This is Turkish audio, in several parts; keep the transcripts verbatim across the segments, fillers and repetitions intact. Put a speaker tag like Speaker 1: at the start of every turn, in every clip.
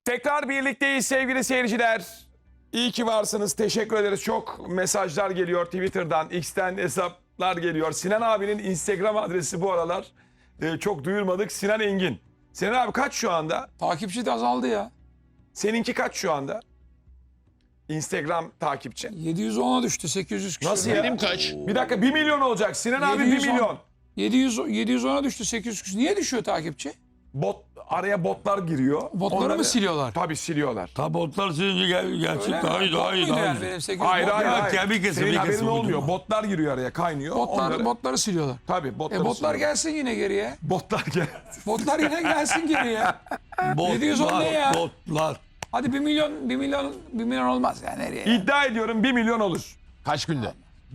Speaker 1: Tekrar birlikteyiz sevgili seyirciler. İyi ki varsınız. Teşekkür ederiz. Çok mesajlar geliyor Twitter'dan, X'ten hesaplar geliyor. Sinan abinin Instagram adresi bu aralar e, çok duyurmadık. Sinan Engin. Sinan abi kaç şu anda?
Speaker 2: Takipçi de azaldı ya.
Speaker 1: Seninki kaç şu anda? Instagram takipçi.
Speaker 2: yedi yüz ona düştü. sekiz yüz kişi.
Speaker 1: Nasıl ya?
Speaker 3: Benim kaç?
Speaker 1: Bir dakika bir milyon olacak. Sinan abi bir
Speaker 2: yedi yüz on.
Speaker 1: milyon.
Speaker 2: yedi yüz, yedi yüz ona düştü. sekiz yüz kişi. Niye düşüyor takipçi?
Speaker 1: Bot, araya botlar giriyor.
Speaker 2: Botları
Speaker 1: Onları-
Speaker 2: mı siliyorlar?
Speaker 1: Tabii siliyorlar.
Speaker 4: Tabi otlar silince gel, gerçek
Speaker 2: Öyle mi?
Speaker 4: daha iyi
Speaker 2: Bot
Speaker 4: daha iyi
Speaker 2: muydu
Speaker 4: daha
Speaker 2: yani
Speaker 4: iyi.
Speaker 2: benim sekiz yüz
Speaker 1: Hayır
Speaker 2: bot?
Speaker 1: hayır
Speaker 4: Ya,
Speaker 1: hayır.
Speaker 4: kemik kesi,
Speaker 1: Senin
Speaker 4: bir
Speaker 1: haberin
Speaker 4: kesi
Speaker 1: olmuyor.
Speaker 4: uydurma.
Speaker 1: Botlar giriyor araya kaynıyor.
Speaker 2: Botlar,
Speaker 1: Onları-
Speaker 2: botları siliyorlar.
Speaker 1: Tabii botları
Speaker 2: E botlar
Speaker 1: siliyorlar.
Speaker 2: gelsin yine geriye.
Speaker 1: Botlar gel.
Speaker 2: Botlar yine gelsin geriye.
Speaker 4: Botlar,
Speaker 2: yedi yüz on ne ya?
Speaker 4: Botlar.
Speaker 2: Hadi bir milyon, bir milyon, bir milyon olmaz yani nereye?
Speaker 1: İddia ediyorum bir milyon olur.
Speaker 3: Kaç günde?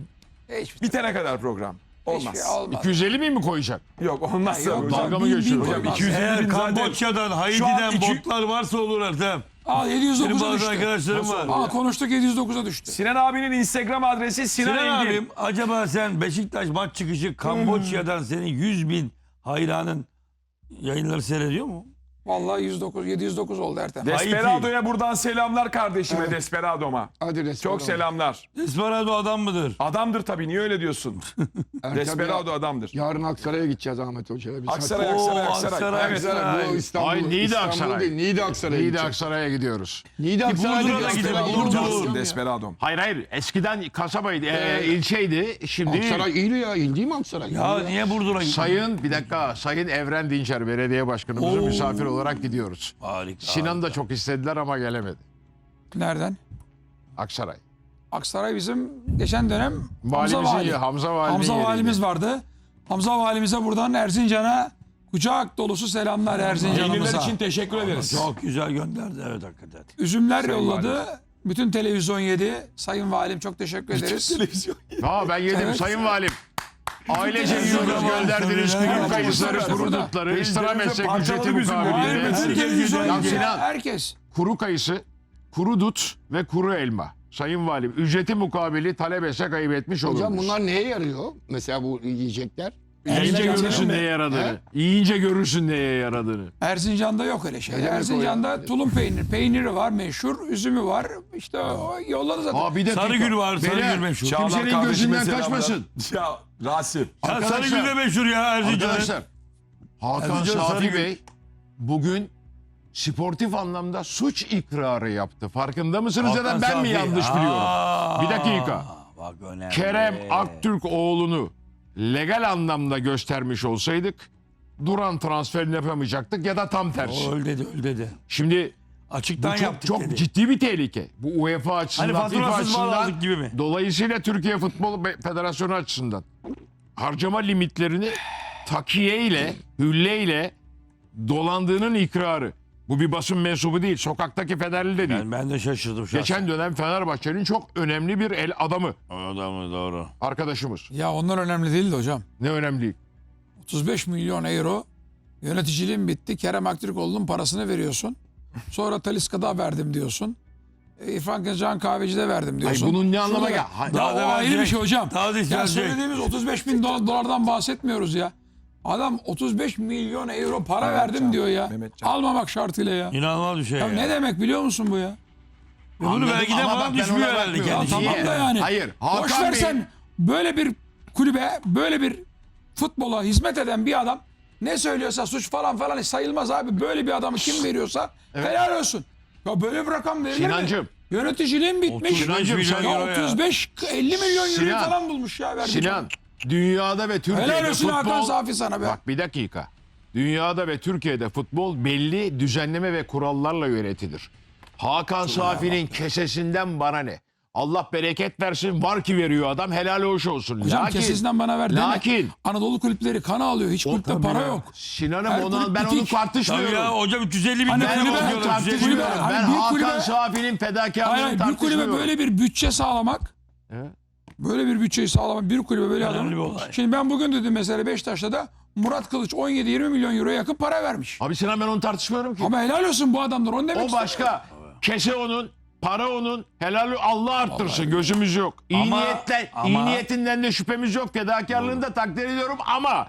Speaker 2: Hiçbir
Speaker 1: Bitene kadar program.
Speaker 2: hiçbir
Speaker 1: Olmaz.
Speaker 2: şey olmaz.
Speaker 3: iki yüz elli bin mi koyacak?
Speaker 1: Yok olmaz.
Speaker 2: Yok,
Speaker 1: hocam.
Speaker 3: dalga mı
Speaker 2: bin- bin
Speaker 3: geçiyorsun?
Speaker 2: koymaz.
Speaker 1: Hocam iki yüz elli
Speaker 4: Eğer
Speaker 1: bin zaten.
Speaker 4: Kamboçya'dan,
Speaker 1: Şu an
Speaker 4: Haiti'den
Speaker 1: iki-
Speaker 4: botlar varsa olur Ertem.
Speaker 2: Aa yedi yüz
Speaker 4: Benim
Speaker 2: dokuza
Speaker 4: bazı
Speaker 2: düştü.
Speaker 4: arkadaşlarım
Speaker 1: Nasıl
Speaker 4: var.
Speaker 1: olur?
Speaker 2: Aa konuştuk yedi yüz dokuza düştü.
Speaker 1: Sinan abinin Instagram adresi Sinan,
Speaker 4: Sinan
Speaker 1: Engin.
Speaker 4: abim acaba sen Beşiktaş maç çıkışı Kamboçya'dan senin yüz bin hayranın yayınları seyrediyor mu?
Speaker 2: Vallahi yüz dokuz, yedi yüz dokuz oldu Ertem.
Speaker 1: Desperado'ya buradan selamlar kardeşime Desperado'ma.
Speaker 5: Hadi Desperado.
Speaker 1: Çok selamlar.
Speaker 4: Desperado adam mıdır?
Speaker 1: Adamdır tabii niye öyle diyorsun?
Speaker 5: Ertem
Speaker 1: Desperado
Speaker 5: ya,
Speaker 1: adamdır.
Speaker 5: Yarın Aksaray'a gideceğiz Ahmet Hoca'ya. Biz
Speaker 1: Aksaray,
Speaker 4: Oo,
Speaker 1: Aksaray, Aksaray.
Speaker 4: Aksaray,
Speaker 1: Evet.
Speaker 4: Aksaray.
Speaker 5: Bu İstanbul,
Speaker 3: Ay, Niğde
Speaker 5: İstanbul
Speaker 3: Aksaray.
Speaker 5: değil, Niğde Aksaray'a
Speaker 3: Niğde
Speaker 5: gideceğiz.
Speaker 3: Aksaray'a gidiyoruz.
Speaker 5: Niğde Aksaray'a
Speaker 4: Burdur'a da
Speaker 5: gideceğiz.
Speaker 4: gidelim,
Speaker 5: Desperado
Speaker 4: Burdur.
Speaker 5: olacağız.
Speaker 1: Desperado.
Speaker 3: Hayır hayır eskiden kasabaydı, e,
Speaker 5: Ee,
Speaker 3: ilçeydi. Şimdi
Speaker 5: Aksaray iyi ya, il değil mi Aksaray?
Speaker 4: Ya
Speaker 5: İyi
Speaker 4: niye Burdur'a gidiyorsun?
Speaker 3: Sayın bir dakika Sayın Evren Dinçer belediye başkanımızın
Speaker 4: Oo.
Speaker 3: misafir olarak gidiyoruz.
Speaker 4: Harika.
Speaker 3: Sinan da çok istediler ama gelemedi.
Speaker 2: Nereden?
Speaker 3: Aksaray.
Speaker 2: Aksaray bizim geçen dönem Hamza
Speaker 3: Valimizin
Speaker 2: Vali.
Speaker 3: ye- Hamza Vali'nin
Speaker 2: Hamza
Speaker 3: yeriydi.
Speaker 2: Valimiz vardı. Hamza Valimize buradan Erzincan'a kucak dolusu selamlar
Speaker 1: Peynirler
Speaker 2: Erzincan'ımıza.
Speaker 1: için teşekkür ederiz.
Speaker 4: Çok güzel gönderdi evet hakikaten.
Speaker 2: Üzümler
Speaker 1: Sayın
Speaker 2: yolladı. Bütün televizyon yedi. Sayın Valim çok teşekkür ederiz.
Speaker 1: Televizyon.
Speaker 3: Ha ben yedim
Speaker 2: Evet.
Speaker 3: Sayın Valim. Ailece yiyoruz gönderdiniz
Speaker 4: Tabii,
Speaker 3: kuru
Speaker 4: tabii.
Speaker 3: kayısıları, kuru
Speaker 2: Burada.
Speaker 3: dutları, ekstra
Speaker 1: Televizyon
Speaker 3: meslek
Speaker 1: parçaladı
Speaker 3: ücreti
Speaker 1: bizim bu.
Speaker 2: Hayır,
Speaker 3: mukabilinde.
Speaker 2: bütün
Speaker 4: Herkes
Speaker 2: televizyon
Speaker 4: güzel.
Speaker 2: yedi.
Speaker 3: Ya
Speaker 2: ya,
Speaker 3: Sinan.
Speaker 2: Herkes.
Speaker 3: Kuru kayısı, kuru dut ve kuru elma. Sayın Valim ücreti mukabili talep etse kaybetmiş olurmuş.
Speaker 5: Hocam bunlar neye yarıyor? Mesela bu yiyecekler.
Speaker 3: Yiyince
Speaker 2: Erzincan
Speaker 3: görürsün
Speaker 2: mi?
Speaker 3: neye yaradığını. Yiyince görürsün neye yaradığını.
Speaker 2: Erzincan'da yok öyle şey.
Speaker 5: Ne demek o
Speaker 2: Erzincan'da
Speaker 5: ya?
Speaker 2: tulum peynir. Peyniri var meşhur. Üzümü var. İşte o yolladı zaten.
Speaker 3: Aa bir dakika.
Speaker 4: Sarıgül var, Sarıgül
Speaker 3: Beyler,
Speaker 4: meşhur.
Speaker 1: Çağlar
Speaker 3: Kimsenin
Speaker 1: kardeşime
Speaker 3: gözünden
Speaker 1: selamlar.
Speaker 3: kaçmasın.
Speaker 1: Ya Rasim.
Speaker 4: Ya
Speaker 3: Arkadaşlar-
Speaker 4: Sarıgül de meşhur ya Erzincan'ın.
Speaker 3: Arkadaşlar Hakan
Speaker 4: Erzincan
Speaker 3: Safi
Speaker 4: Sarıgül.
Speaker 3: Bey bugün sportif anlamda suç ikrarı yaptı. Farkında mısınız ya da
Speaker 4: Hakan
Speaker 3: ben mi
Speaker 4: Safi.
Speaker 3: yanlış
Speaker 4: Aa,
Speaker 3: biliyorum? Bir dakika.
Speaker 4: Bak önemli.
Speaker 3: Kerem Aktürk oğlunu legal anlamda göstermiş olsaydık Duran transferini yapamayacaktık ya da tam tersi.
Speaker 4: O öyle dedi öyle dedi.
Speaker 3: Şimdi
Speaker 4: Açıktan
Speaker 3: bu çok,
Speaker 4: yaptık
Speaker 3: çok
Speaker 4: dedi.
Speaker 3: ciddi bir tehlike. Bu UEFA açısından,
Speaker 4: Hani
Speaker 3: FIFA
Speaker 4: faturasız mal
Speaker 3: açısından,
Speaker 4: aldık gibi mi?
Speaker 3: dolayısıyla Türkiye Futbol Be- Federasyonu açısından harcama limitlerini takiye ile, hülle ile dolandığının ikrarı. Bu bir basın mensubu değil, sokaktaki federli de değil.
Speaker 4: Ben, ben de şaşırdım şahsen.
Speaker 3: Geçen dönem Fenerbahçe'nin çok önemli bir el adamı
Speaker 4: Adamı doğru.
Speaker 3: arkadaşımız.
Speaker 2: Ya onlar önemli değildi hocam.
Speaker 3: Ne önemli?
Speaker 2: otuz beş milyon euro yöneticiliğin bitti. Kerem Aktürkoğlu'nun parasını veriyorsun. Sonra Talisca'da verdim diyorsun. E, İrfan Can Kahveci'de verdim
Speaker 3: Ay
Speaker 2: diyorsun.
Speaker 3: bunun ne anlama
Speaker 2: Şurada-
Speaker 3: gel? Ha-
Speaker 2: Ya
Speaker 4: Daha
Speaker 2: o
Speaker 4: da
Speaker 2: ayrı bir
Speaker 4: verecek.
Speaker 2: şey hocam.
Speaker 4: Daha da
Speaker 2: Ya
Speaker 4: verecek.
Speaker 2: söylediğimiz otuz beş bin dolar- dolardan bahsetmiyoruz ya. Adam otuz beş milyon euro para verdim diyor ya.
Speaker 1: Mehmetcan.
Speaker 2: Almamak şartıyla ya.
Speaker 4: İnanılmaz bir şey
Speaker 2: Ya
Speaker 4: ya.
Speaker 2: ne demek biliyor musun bu ya?
Speaker 4: Bunu
Speaker 3: Anladım
Speaker 4: belki de
Speaker 3: ama
Speaker 4: falan
Speaker 3: bak ben
Speaker 4: düşmüyor
Speaker 3: ona
Speaker 4: herhalde
Speaker 3: bakmıyorum.
Speaker 2: Ya
Speaker 4: kendisi.
Speaker 3: Niye?
Speaker 2: tamam da yani.
Speaker 3: Hayır, Hakan
Speaker 2: Boş
Speaker 3: Bey-
Speaker 2: versen böyle bir kulübe, böyle bir futbola hizmet eden bir adam ne söylüyorsa suç falan falan sayılmaz abi. Böyle bir adamı kim veriyorsa helal olsun. Ya böyle bir rakam verilir
Speaker 3: Sinancım.
Speaker 2: mi? Yöneticiliğin bitmiş.
Speaker 4: otuz beş milyon
Speaker 2: Ya
Speaker 4: euro ya.
Speaker 2: otuz beş elli milyon euro
Speaker 3: Sinan.
Speaker 2: falan bulmuş ya. verdi
Speaker 3: Sinan, dünyada ve Türkiye'de
Speaker 2: Helal olsun
Speaker 3: futbol...
Speaker 2: Hakan Safi sana be.
Speaker 3: Bak bir dakika. Dünyada ve Türkiye'de futbol belli düzenleme ve kurallarla yönetilir. Hakan Safi'nin kesesinden bana ne? Allah bereket versin, var ki veriyor adam, helal hoş olsun.
Speaker 2: Hocam
Speaker 3: lakin,
Speaker 2: kesesinden bana ver deme.
Speaker 3: lakin
Speaker 2: Anadolu kulüpleri kana alıyor. Hiç kulüpte para yok.
Speaker 3: Sinan'ım
Speaker 2: Her
Speaker 3: ona,
Speaker 2: kulüp
Speaker 3: ben onu
Speaker 2: bitik.
Speaker 4: Tabii
Speaker 3: tartışmıyorum.
Speaker 4: ya hocam üç yüz elli bin
Speaker 2: Hani
Speaker 4: lira
Speaker 3: Ben
Speaker 2: kulübe-
Speaker 3: onu
Speaker 4: bakıyorlar,
Speaker 3: tartışmıyorum.
Speaker 4: üç yüz elli bin lira.
Speaker 3: Ben
Speaker 2: Hani bir
Speaker 3: Hakan
Speaker 2: kulübe-
Speaker 3: Safi'nin
Speaker 2: Hayır,
Speaker 3: fedakarlığını
Speaker 2: hayır, bir
Speaker 3: tartışmıyorum.
Speaker 2: kulübe böyle bir bütçe sağlamak,
Speaker 3: Evet.
Speaker 2: böyle bir bütçeyi sağlamak, bir kulübe böyle
Speaker 4: Önemli
Speaker 2: adam.
Speaker 4: bir olay.
Speaker 2: Şimdi ben bugün dedim mesela Beşiktaş'ta da Murat Kılıç on yedi yirmi milyon euroya yakın para vermiş.
Speaker 3: Abi Sinan ben onu tartışmıyorum ki.
Speaker 2: Ama helal olsun bu adamlar, onu demek
Speaker 3: O
Speaker 2: istiyorum.
Speaker 3: başka. Kese onun, para onun, helal Allah arttırsın. Gözümüz yok. İyi
Speaker 4: Ama-
Speaker 3: niyetle, iyi
Speaker 4: ama-
Speaker 3: niyetinden de şüphemiz yok. Fedakarlığını da takdir ediyorum ama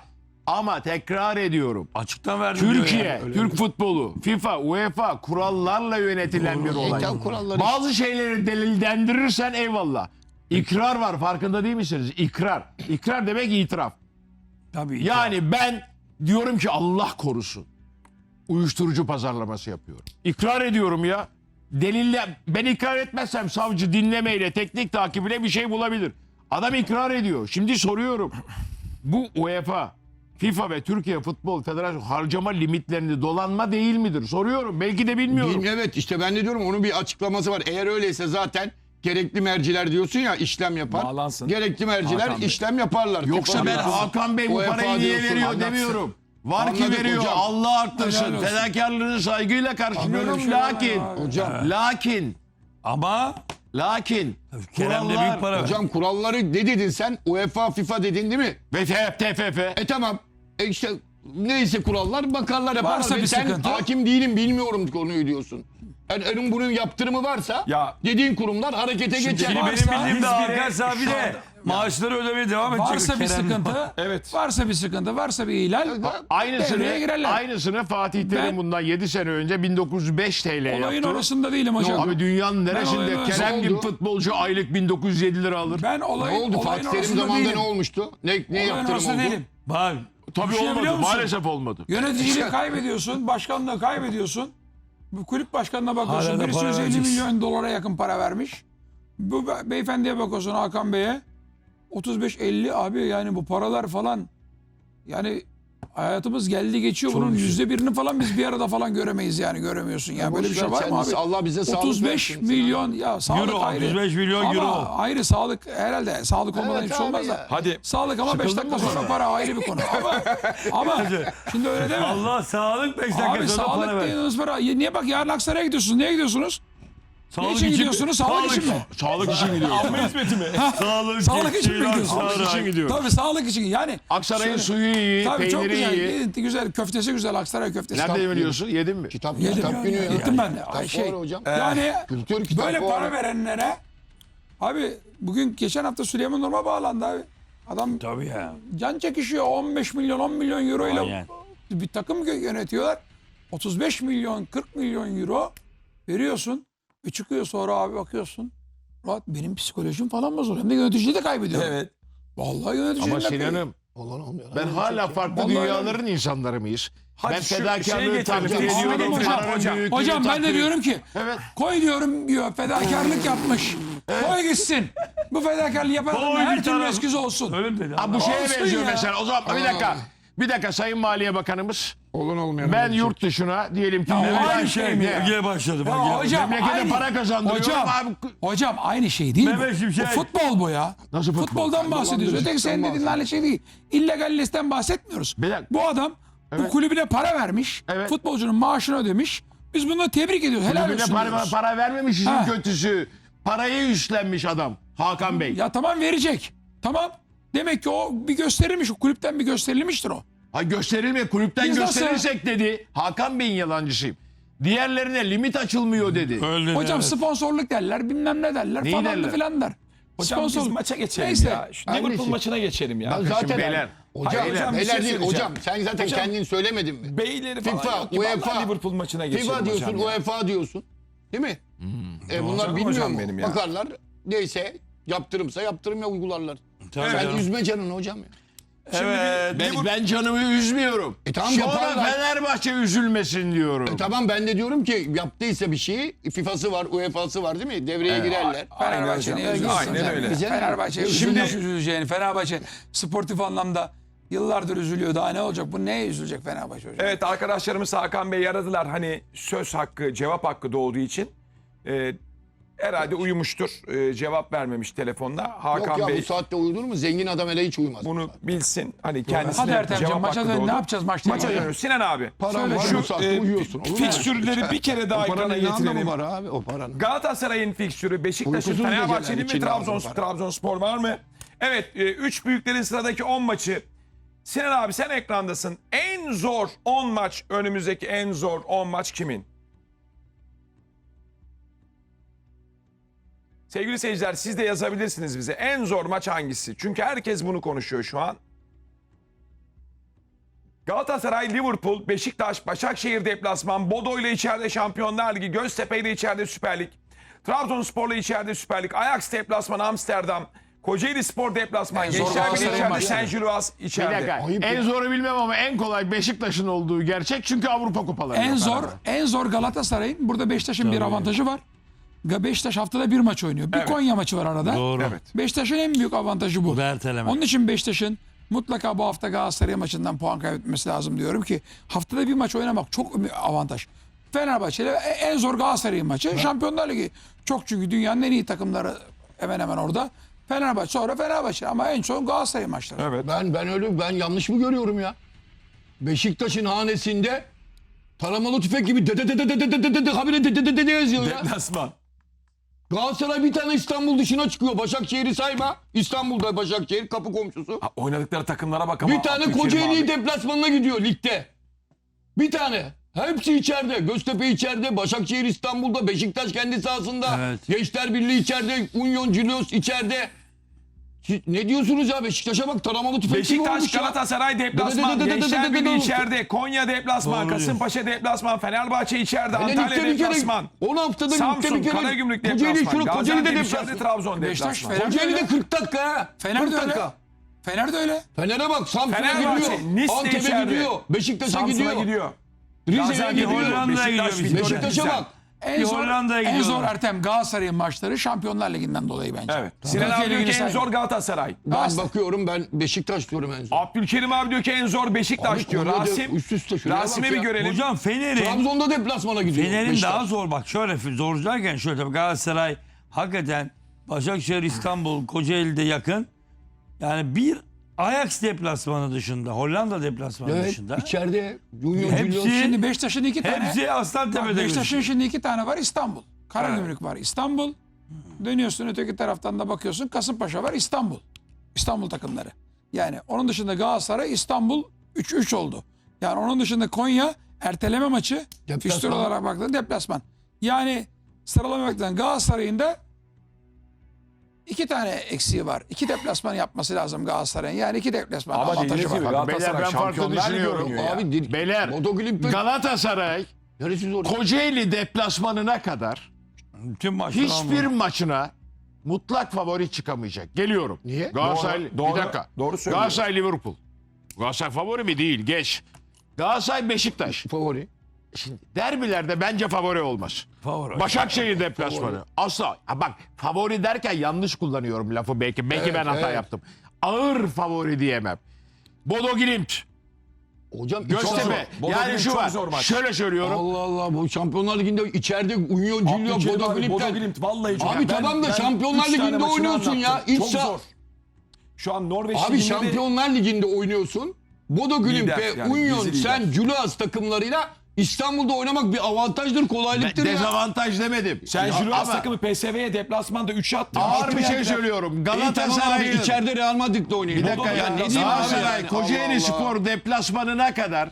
Speaker 3: Ama tekrar ediyorum.
Speaker 4: Açıktan verdim diyor
Speaker 3: Türkiye,
Speaker 4: ya.
Speaker 3: Türk futbolu, FIFA, UEFA kurallarla yönetilen bir olay.
Speaker 5: Eklem kuralları.
Speaker 3: Bazı şeyleri delillendirirsen eyvallah. İkrar var, farkında değil misiniz? İkrar. İkrar demek itiraf.
Speaker 4: Tabii.
Speaker 3: Yani ben diyorum ki Allah korusun. Uyuşturucu pazarlaması yapıyorum. İkrar ediyorum ya. Delille ben ikrar etmezsem savcı dinlemeyle, teknik takibiyle bir şey bulabilir. Adam ikrar ediyor. Şimdi soruyorum. Bu UEFA, FIFA ve Türkiye Futbol Federasyonu harcama limitlerini dolanma değil midir? Soruyorum. Belki de bilmiyorum.
Speaker 5: Bil- Evet işte ben de diyorum onun bir açıklaması var. Eğer öyleyse zaten gerekli merciler diyorsun ya işlem yapar.
Speaker 1: Bağlansın.
Speaker 5: Gerekli merciler
Speaker 1: Hakan Bey.
Speaker 5: işlem yaparlar.
Speaker 3: Yoksa
Speaker 5: FIFA
Speaker 3: ben
Speaker 5: diyorsun,
Speaker 3: Hakan Bey bu
Speaker 5: UEFA
Speaker 3: parayı niye
Speaker 5: diyorsun,
Speaker 3: veriyor
Speaker 5: anlatsın.
Speaker 3: demiyorum. Var ki
Speaker 5: Anladık
Speaker 3: veriyor.
Speaker 5: hocam.
Speaker 3: Allah arttırsın.
Speaker 2: Helal olsun.
Speaker 3: Fedakarlığını saygıyla
Speaker 2: Böyle bir
Speaker 3: karşılıyorum.
Speaker 2: şey var
Speaker 3: Lakin,
Speaker 2: ya.
Speaker 5: Hocam,
Speaker 3: lakin,
Speaker 4: Ama
Speaker 3: lakin
Speaker 4: Kerem'de
Speaker 3: kurallar
Speaker 4: büyük para ver.
Speaker 5: hocam kuralları ne dedin sen? UEFA, FIFA dedin değil mi?
Speaker 3: ve T F F
Speaker 5: E tamam. E işte neyse kurallar bakarlar yaparlar.
Speaker 2: Varsa
Speaker 5: Ve
Speaker 2: bir
Speaker 5: sen
Speaker 2: sıkıntı.
Speaker 5: hakim değilim bilmiyorum konuyu diyorsun. Yani onun bunun yaptırımı varsa
Speaker 1: Ya-
Speaker 5: dediğin kurumlar harekete geçer.
Speaker 4: Şimdi
Speaker 2: Varsa-
Speaker 4: benim bildiğim de
Speaker 1: Biz bile
Speaker 4: Hakan Sabi
Speaker 1: şu
Speaker 4: de
Speaker 1: anda-
Speaker 4: maaşları ödemeye devam edecek.
Speaker 2: Varsa bir
Speaker 4: Kerem.
Speaker 2: sıkıntı,
Speaker 1: Evet.
Speaker 2: varsa bir sıkıntı, varsa bir ihlal
Speaker 3: aynısını
Speaker 2: devreye girerler.
Speaker 3: aynısını Fatih Terim
Speaker 2: Ben-
Speaker 3: bundan yedi sene önce bin dokuz yüz beş T L
Speaker 2: Olayın
Speaker 3: yaptı.
Speaker 2: orasında değilim hocam.
Speaker 3: Abi dünyanın
Speaker 2: olayın
Speaker 3: neresinde
Speaker 2: orasında-
Speaker 3: Kerem
Speaker 5: Ne
Speaker 3: gibi
Speaker 5: oldu?
Speaker 3: futbolcu aylık bin dokuz yüz yedi lira alır?
Speaker 2: Ben
Speaker 5: Ne
Speaker 2: olayın,
Speaker 5: oldu?
Speaker 2: olayın
Speaker 5: Fatih Terim
Speaker 2: orasında
Speaker 5: zamanında
Speaker 2: değilim.
Speaker 5: ne olmuştu? Ne, ne
Speaker 2: Olayın
Speaker 5: yaptırım
Speaker 2: orasında
Speaker 5: oldu?
Speaker 2: değilim.
Speaker 4: Bak
Speaker 3: Tabii
Speaker 2: Düşünebiliyor
Speaker 3: olmadı.
Speaker 2: musun?
Speaker 3: Maalesef olmadı.
Speaker 2: Yöneticiliği kaybediyorsun, başkanlığı kaybediyorsun. Bu kulüp başkanına bakıyorsun,
Speaker 4: Hala da
Speaker 2: birisi
Speaker 4: para
Speaker 2: yüz elli
Speaker 4: vereceksin.
Speaker 2: milyon dolara yakın para vermiş. Bu be- beyefendiye bakıyorsun Hakan Bey'e. otuz beş elli abi yani bu paralar falan. Yani hayatımız geldi geçiyor. Bunun yüzde birini falan biz bir arada falan göremeyiz yani göremiyorsun. Ya böyle bir şey var mı abi?
Speaker 5: Allah bize sağlık
Speaker 2: otuz beş
Speaker 5: versin.
Speaker 2: milyon ya sağlık
Speaker 4: Euro,
Speaker 2: ayrı.
Speaker 4: otuz beş milyon
Speaker 2: ama
Speaker 4: euro.
Speaker 2: ayrı sağlık herhalde sağlık olmadan
Speaker 5: Evet
Speaker 2: hiçbir şey
Speaker 5: abi
Speaker 2: olmaz
Speaker 5: ya.
Speaker 2: da.
Speaker 1: Hadi.
Speaker 2: Sağlık ama beş dakika sonra para ayrı bir konu. Ama, ama şimdi öyle deme.
Speaker 4: Allah sağlık beş dakika
Speaker 2: Abi
Speaker 4: sonra para
Speaker 2: sağlık
Speaker 4: ver.
Speaker 2: dediğiniz para. Niye bak yarın Aksaray'a gidiyorsunuz? Niye gidiyorsunuz? Ne için gidiyorsunuz? Sağlık için mi?
Speaker 3: Sağlık için gidiyor.
Speaker 4: Sağlık,
Speaker 2: Sağlık için mi
Speaker 4: geçtiği
Speaker 2: gidiyorsun?
Speaker 4: Aksaray.
Speaker 3: Sağlık için gidiyor.
Speaker 2: Tabii sağlık için. Yani
Speaker 3: Aksaray'ın
Speaker 2: şöyle-
Speaker 3: suyu iyi,
Speaker 2: Tabii çok
Speaker 3: peyniri
Speaker 2: güzel.
Speaker 3: iyi.
Speaker 2: Yedin, güzel. Köftesi güzel. Aksaray köftesi.
Speaker 3: Nerede
Speaker 2: Tabii.
Speaker 3: biliyorsun? Yedin mi?
Speaker 5: Kitap,
Speaker 2: Yedim.
Speaker 5: kitap günü ya.
Speaker 2: Gittim ben de. Ay
Speaker 5: Kitap
Speaker 2: şey.
Speaker 5: var hocam.
Speaker 2: Yani
Speaker 5: Kültür kitap
Speaker 2: böyle
Speaker 5: var.
Speaker 2: para verenlere abi bugün geçen hafta Süleyman Nurma bağlandı abi. Adam
Speaker 4: Tabii ya.
Speaker 2: can çekişiyor. on beş milyon on milyon euro ile
Speaker 4: Aynen.
Speaker 2: bir takım gö- yönetiyorlar. otuz beş milyon kırk milyon euro veriyorsun. Ve çıkıyor sonra abi bakıyorsun. Rahat benim psikolojim falan bozuluyor. Hem de yöneticiliği de kaybediyorum.
Speaker 1: Evet.
Speaker 2: Vallahi yöneticiliği
Speaker 3: Ama
Speaker 2: de
Speaker 3: Sinan'ım
Speaker 5: Olan olmuyor.
Speaker 3: ben hala farklı
Speaker 2: Vallahi
Speaker 3: dünyaların insanları mıyız?
Speaker 1: Hadi
Speaker 3: Ben
Speaker 1: şu şeyi
Speaker 3: fedakarlığı
Speaker 1: getirelim.
Speaker 3: takdir
Speaker 1: Hocam,
Speaker 3: ediyorum.
Speaker 1: hocam,
Speaker 3: paranın
Speaker 1: hocam.
Speaker 3: büyüklüğünü
Speaker 2: Hocam ben de
Speaker 3: takdir-
Speaker 2: diyorum ki
Speaker 3: Evet.
Speaker 2: koy diyorum diyor fedakarlık yapmış. Koy gitsin. Bu fedakarlığı yapan adamın
Speaker 4: Koy
Speaker 2: her
Speaker 4: bir
Speaker 2: türlü
Speaker 4: taraf.
Speaker 2: eskisi olsun.
Speaker 4: Öyle mi dedi?
Speaker 3: Ha, bu şeye
Speaker 2: Olsun
Speaker 3: benziyor
Speaker 2: ya.
Speaker 3: mesela. O zaman bir dakika. Bir dakika Sayın Maliye Bakanımız.
Speaker 5: Olan olmayan.
Speaker 3: Ben yurt dışına diyelim ki
Speaker 2: Ya
Speaker 3: memlekete-
Speaker 2: aynı şey mi ya?
Speaker 4: Yine başladı. Bak
Speaker 2: Ya
Speaker 4: ya.
Speaker 2: hocam
Speaker 3: memlekete
Speaker 2: aynı.
Speaker 3: para kazandırıyorum
Speaker 2: Hocam,
Speaker 3: abi.
Speaker 2: hocam aynı şey değil
Speaker 4: Mehmet
Speaker 2: bu.
Speaker 4: Şimşek.
Speaker 2: Bu futbol bu ya.
Speaker 3: Nasıl futbol?
Speaker 2: Futboldan bahsediyoruz. Öteki senin dediğin aynı şey değil. İllegalisten bahsetmiyoruz.
Speaker 3: Bir dakika.
Speaker 2: Bu adam bu kulübüne para vermiş.
Speaker 3: Evet.
Speaker 2: Futbolcunun maaşını ödemiş. Biz bunları tebrik ediyoruz. Helal
Speaker 3: Kulübüne
Speaker 2: olsun
Speaker 3: para,
Speaker 2: diyoruz.
Speaker 3: para vermemiş işin
Speaker 2: Ha.
Speaker 3: kötüsü. Parayı üstlenmiş adam. Hakan Bey.
Speaker 2: Ya tamam verecek. Tamam. Demek ki o bir gösterilmiş. O kulüpten bir gösterilmiştir o.
Speaker 3: Ha gösterilme kulüpten
Speaker 2: Biz nasıl-
Speaker 3: gösterirsek dedi. Hakan Bey'in yalancısıyım. Diğerlerine limit açılmıyor dedi.
Speaker 4: Öyle
Speaker 2: Hocam
Speaker 4: evet.
Speaker 2: sponsorluk derler, bilmem ne derler
Speaker 3: Neyi
Speaker 2: falan da
Speaker 3: derler?
Speaker 2: filan der.
Speaker 1: Hocam biz
Speaker 2: Sponsor-
Speaker 1: maça geçelim
Speaker 2: Neyse.
Speaker 1: ya. Şu
Speaker 5: Hangisi?
Speaker 1: Liverpool maçına geçelim ya.
Speaker 5: Ben zaten
Speaker 3: Şimdi beyler.
Speaker 5: Hocam,
Speaker 1: Hayır, hocam, bir
Speaker 5: beyler
Speaker 1: şey
Speaker 5: değil
Speaker 1: söyleyeceğim.
Speaker 5: hocam. Sen zaten
Speaker 1: Hocam,
Speaker 5: kendin söylemedin mi?
Speaker 1: Beyleri falan
Speaker 5: FIFA,
Speaker 1: yok ki. Vallahi
Speaker 5: UEFA,
Speaker 1: Liverpool maçına geçelim
Speaker 5: FIFA diyorsun,
Speaker 1: hocam ya.
Speaker 5: UEFA diyorsun. Değil mi? E bunlar
Speaker 1: Canım
Speaker 5: bilmiyor
Speaker 1: hocam
Speaker 5: mu?
Speaker 1: benim ya.
Speaker 5: Bakarlar. Neyse yaptırımsa yaptırım ya uygularlar.
Speaker 4: Tabii
Speaker 5: Sen
Speaker 4: canım.
Speaker 5: üzme canını hocam ya.
Speaker 4: Evet.
Speaker 3: Ben, ben canımı üzmüyorum.
Speaker 5: E tamam,
Speaker 3: Sonra
Speaker 5: yaparlar.
Speaker 3: Fenerbahçe üzülmesin diyorum.
Speaker 5: E tamam ben de diyorum ki yaptıysa bir şeyi FIFA'sı var, UEFA'sı var değil mi? Devreye girerler.
Speaker 2: Fenerbahçe
Speaker 1: Aynen
Speaker 2: neye
Speaker 1: öyle.
Speaker 2: üzülsün
Speaker 1: Aynen
Speaker 2: zaten?
Speaker 1: öyle.
Speaker 5: Güzel.
Speaker 2: Fenerbahçe
Speaker 5: Şimdi-
Speaker 2: şimdi üzüleceğini. Fenerbahçe sportif anlamda yıllardır üzülüyor. Daha ne olacak? Bu neye üzülecek Fenerbahçe hocam?
Speaker 1: Evet arkadaşlarımız Hakan Bey aradılar. Hani söz hakkı, cevap hakkı doğduğu için. Ee, herhalde uyumuştur. Ee, cevap vermemiş telefonda. Hakan
Speaker 5: Yok ya
Speaker 1: Bey
Speaker 5: bu saatte uyudur mu? Zengin adam hele hiç uyumaz.
Speaker 1: bunu bilsin. Hani kendisine
Speaker 2: Hadi Ertem'ciğim,
Speaker 1: cevap
Speaker 2: maça
Speaker 1: hakkı
Speaker 2: dön.
Speaker 1: doğdu.
Speaker 2: Ne yapacağız maçta?
Speaker 1: Maça dönüyoruz. Sinan abi.
Speaker 5: Paran var
Speaker 1: Şu
Speaker 5: bu saatte
Speaker 1: e,
Speaker 5: uyuyorsun. Olur mu?
Speaker 1: fikstürleri bir kere daha
Speaker 5: O paranın
Speaker 1: ekrana
Speaker 5: ne anlamı
Speaker 1: getirelim.
Speaker 5: var abi o paranın?
Speaker 1: Galatasaray'ın fikstürü, Beşiktaş'ın,
Speaker 5: Uykusuz
Speaker 1: Fenerbahçe'nin
Speaker 5: geceler
Speaker 1: mi
Speaker 5: için
Speaker 1: Trabzon,
Speaker 5: lazım para.
Speaker 1: Trabzonspor var mı? Evet, e, üç büyüklerin sıradaki on maçı. Sinan abi sen ekrandasın. En zor on maç, önümüzdeki en zor on maç kimin? Sevgili seyirciler siz de yazabilirsiniz bize. En zor maç hangisi? Çünkü herkes bunu konuşuyor şu an. Galatasaray, Liverpool, Beşiktaş, Başakşehir deplasman, Bodo ile içeride Şampiyonlar Ligi, Göztepe ile içeride Süper Lig, Trabzonspor ile içeride Süper Lig, Ajax deplasman Amsterdam, Kocaeli Spor deplasman,
Speaker 2: En zor
Speaker 1: Gençler Birliği
Speaker 2: Galatasaray
Speaker 1: içeride,
Speaker 2: maçı.
Speaker 1: Saint Gilloise
Speaker 3: Bir
Speaker 1: içeride.
Speaker 3: dakika.
Speaker 5: Ayıp
Speaker 3: En
Speaker 5: ya.
Speaker 3: zoru bilmem ama en kolay Beşiktaş'ın olduğu gerçek. Çünkü Avrupa kupaları
Speaker 2: En
Speaker 3: yok
Speaker 2: zor,
Speaker 3: arada.
Speaker 2: en zor Galatasaray'ın. Burada Beşiktaş'ın bir avantajı var. Ga- Beşiktaş haftada bir maç oynuyor. Bir
Speaker 1: Evet.
Speaker 2: Konya maçı var arada.
Speaker 4: Doğru.
Speaker 1: Evet.
Speaker 2: Beşiktaş'ın en büyük avantajı bu.
Speaker 4: Bu da erteleme.
Speaker 2: Onun için Beşiktaş'ın mutlaka bu hafta Galatasaray maçından puan kaybetmesi lazım diyorum ki haftada bir maç oynamak çok avantaj. Fenerbahçe ile en zor Galatasaray maçı. Şampiyonlar Ligi çok, çünkü dünyanın en iyi takımları hemen hemen orada. Fenerbahçe, sonra Fenerbahçe ama en son Galatasaray maçları.
Speaker 1: Evet.
Speaker 5: Ben ben öyle ben yanlış mı görüyorum ya? Beşiktaş'ın hanesinde taramalı tüfek gibi de de de de de de de de de de habire de de de de de yazıyor ya.
Speaker 1: Deplasman.
Speaker 5: Galatasaray bir tane İstanbul dışına çıkıyor. Başakşehir'i sayma. İstanbul'da Başakşehir kapı komşusu.
Speaker 1: Ha, oynadıkları takımlara bak ama.
Speaker 5: Bir tane
Speaker 1: Abdülkerim
Speaker 5: Kocaeli
Speaker 1: abi.
Speaker 5: deplasmanına gidiyor ligde. Bir tane. Hepsi içeride. Göztepe içeride. Başakşehir İstanbul'da. Beşiktaş kendi sahasında.
Speaker 4: Evet.
Speaker 5: Gençler Birliği içeride. Union Julius içeride. Siz ne diyorsunuz ya? Beşiktaş'a bak taramalı tüfek gibi
Speaker 1: Beşiktaş,
Speaker 5: olmuş ya.
Speaker 1: Galatasaray deplasman,
Speaker 5: Dı dı dı dı dı dı dı
Speaker 1: Gençler
Speaker 5: dı dı
Speaker 1: Birliği
Speaker 5: dı.
Speaker 1: içeride, Konya deplasman,
Speaker 4: Doğru
Speaker 1: Kasımpaşa deplasman, Fenerbahçe içeride,
Speaker 5: Hele
Speaker 1: Antalya
Speaker 5: ligde bir kere
Speaker 1: deplasman,
Speaker 5: on haftada ligde
Speaker 1: Samsun,
Speaker 5: bir kere
Speaker 1: Karagümrük
Speaker 5: Kocaeli
Speaker 1: deplasman,
Speaker 5: şunu Kocaeli'de
Speaker 1: Gaziantep içeride,
Speaker 5: deplasman.
Speaker 1: Trabzon
Speaker 2: Beşiktaş,
Speaker 1: deplasman.
Speaker 2: Fener-
Speaker 5: Kocaeli'de kırk dakika ha.
Speaker 2: Fener de
Speaker 5: kırk
Speaker 2: öyle.
Speaker 5: dakika.
Speaker 2: Fener de öyle.
Speaker 5: Fener'e bak Samsun'a
Speaker 1: Fenerbahçe,
Speaker 5: gidiyor.
Speaker 1: Nice de
Speaker 5: Antep'e
Speaker 1: içeride.
Speaker 5: gidiyor. Beşiktaş'a
Speaker 1: Samsun'a
Speaker 5: gidiyor.
Speaker 1: gidiyor.
Speaker 5: Rize'ye
Speaker 1: Gaziantep
Speaker 5: gidiyor.
Speaker 4: Hollanda'ya
Speaker 1: Beşiktaş,
Speaker 4: gidiyor.
Speaker 1: Victoria
Speaker 5: Beşiktaş'a
Speaker 1: Pilsen.
Speaker 5: bak.
Speaker 2: En
Speaker 4: Bir
Speaker 2: zor,
Speaker 4: Hollanda'ya
Speaker 2: en zor
Speaker 4: gidiyorlar.
Speaker 2: Ertem Galatasaray'ın maçları Şampiyonlar Ligi'nden dolayı bence.
Speaker 1: Evet. Sinan
Speaker 2: Türkiye
Speaker 1: abi diyor ki
Speaker 2: Ligi'ni
Speaker 1: en
Speaker 2: sayma.
Speaker 1: zor Galatasaray.
Speaker 5: Ben
Speaker 2: Galatasaray.
Speaker 5: bakıyorum ben Beşiktaş diyorum en son.
Speaker 1: Abdülkerim abi diyor ki en zor Beşiktaş
Speaker 5: Abi
Speaker 1: diyor.
Speaker 5: Konya'da
Speaker 1: Rasim,
Speaker 5: üst üste şuraya
Speaker 1: Rasim'e
Speaker 5: bak
Speaker 1: bir
Speaker 5: ya.
Speaker 1: görelim.
Speaker 4: Hocam Fener'in
Speaker 5: Trabzon'da deplasmana gidiyor.
Speaker 4: Fener'in
Speaker 5: Beşiktaş.
Speaker 4: daha zor, bak şöyle zor derken şöyle, tabii Galatasaray hakikaten Başakşehir, İstanbul, Kocaeli'de yakın. Yani bir Ajax deplasmanı dışında, Hollanda deplasmanı
Speaker 5: Evet,
Speaker 4: dışında.
Speaker 5: içeride Union
Speaker 4: Hepsi-
Speaker 5: Julius.
Speaker 2: Şimdi Beşiktaş'ın iki tane.
Speaker 4: Hepsi Aslantepe'de.
Speaker 2: Beşiktaş'ın
Speaker 4: gözüküyor.
Speaker 2: şimdi iki tane var, İstanbul. Karagümrük var, İstanbul. Dönüyorsun öteki taraftan da bakıyorsun, Kasımpaşa var, İstanbul. İstanbul takımları. Yani onun dışında Galatasaray, İstanbul üç üç oldu. Yani onun dışında Konya erteleme maçı.
Speaker 5: Deplasman.
Speaker 2: Fikstür olarak baktığında deplasman. Yani sıralama baktığında Galatasaray'ın da iki tane eksiği var. İki deplasman yapması lazım Galatasaray'ın. Yani iki deplasman
Speaker 1: Ama
Speaker 2: avantajı
Speaker 1: dediğiniz gibi
Speaker 2: var.
Speaker 1: Galatasaray
Speaker 3: Beyler ben farklı
Speaker 1: Şampiyonlar Ligi
Speaker 3: düşünüyorum.
Speaker 1: oynuyor ya.
Speaker 5: Abi dir-
Speaker 3: Beyler
Speaker 5: Bodo Glimt ve-
Speaker 3: Galatasaray
Speaker 5: Neresi zor?
Speaker 3: Kocaeli deplasmanına kadar
Speaker 4: Bütün maçlar
Speaker 3: hiçbir
Speaker 4: almadı.
Speaker 3: maçına mutlak favori çıkamayacak. Geliyorum.
Speaker 5: Niye?
Speaker 3: Galatasaray,
Speaker 1: Doğru, doğru,
Speaker 3: bir dakika.
Speaker 1: doğru söylüyor.
Speaker 3: Galatasaray Liverpool. Galatasaray favori mi? Değil. Geç. Galatasaray Beşiktaş.
Speaker 5: Favori.
Speaker 3: Şimdi derbilerde bence favori olmaz.
Speaker 4: Favori.
Speaker 3: Başakşehir deplasmanı. Asla. Ha bak, favori derken yanlış kullanıyorum lafı belki. Belki
Speaker 5: Evet,
Speaker 3: ben hata
Speaker 5: evet.
Speaker 3: yaptım. Ağır favori diyemem. Bodo Glimt,
Speaker 5: Hocam
Speaker 3: Göztepe.
Speaker 1: Bodo
Speaker 3: Yani
Speaker 1: Glimt
Speaker 3: şu
Speaker 1: çok
Speaker 3: var.
Speaker 1: zor maç.
Speaker 3: Şöyle söylüyorum.
Speaker 5: Allah Allah bu Şampiyonlar Ligi'nde içeride Union Julius
Speaker 1: Abdülkerim
Speaker 5: Bodo
Speaker 1: abi, Bodo
Speaker 5: Glimt'ten.
Speaker 1: Glimt vallahi çok.
Speaker 5: Abi tamam da Şampiyonlar
Speaker 1: üç tane
Speaker 5: Ligi'nde
Speaker 1: maçını
Speaker 5: oynuyorsun ya.
Speaker 1: anlattım.
Speaker 5: İç
Speaker 1: Çok
Speaker 5: saha-
Speaker 1: zor. Şu an Norveç
Speaker 5: Abi
Speaker 1: Ligi'nde de-
Speaker 5: Şampiyonlar Ligi'nde oynuyorsun. Bodo Glimt
Speaker 1: Lider,
Speaker 5: ve
Speaker 1: yani
Speaker 5: Union
Speaker 1: dizi lider.
Speaker 5: Saint Gilloise takımlarıyla İstanbul'da oynamak bir avantajdır, kolaylıktır ya.
Speaker 3: Dezavantaj demedim.
Speaker 1: Sen
Speaker 3: Ya
Speaker 1: Julius
Speaker 3: ama
Speaker 1: takımı P S V'ye deplasmanda üç attı.
Speaker 3: ağır
Speaker 1: Altı
Speaker 3: bir şey
Speaker 1: yendiler.
Speaker 3: söylüyorum.
Speaker 5: İyi tamam abi
Speaker 3: Galatasaray'ın
Speaker 5: içeride Real Madrid'de oynayın.
Speaker 3: bir dakika
Speaker 5: Bodo-
Speaker 3: ya,
Speaker 5: ne diyeyim abi
Speaker 3: Galatasaray
Speaker 5: yani?
Speaker 3: Kocaeli
Speaker 5: Allah Allah.
Speaker 3: Spor deplasmanına kadar